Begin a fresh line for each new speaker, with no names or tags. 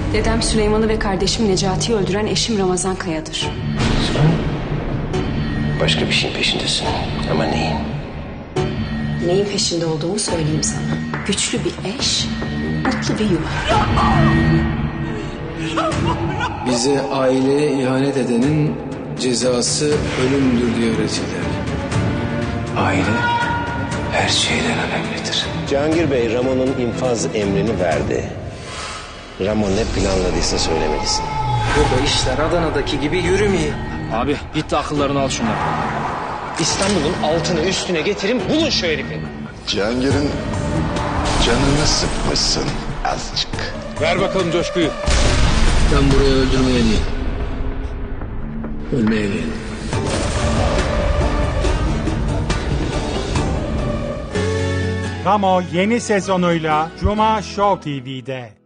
Dedem Süleyman'ı ve kardeşim Necati'yi öldüren eşim Ramazan Kaya'dır.
Sen başka bir şeyin peşindesin. Ama neyin?
Neyin peşinde olduğumu söyleyeyim sana. Güçlü bir eş, mutlu bir yuva.
Bize aileye ihanet edenin cezası ölümdür diye öğretirler.
Aile her şeyden önemlidir.
Cihangir Bey, Ramon'un infaz emrini verdi. Ramon ne planladıysa söylemelisin.
Burada işler Adana'daki gibi yürümüyor.
Abi git de akıllarını al şunlar. İstanbul'un altını üstüne getirin bulun şu herifi.
Cihangir'in canını sıkmışsın azıcık.
Ver bakalım coşkuyu.
Ben buraya öldürmeye değil, ölmeye geldim.
Ramo yeni sezonuyla Cuma Show TV'de.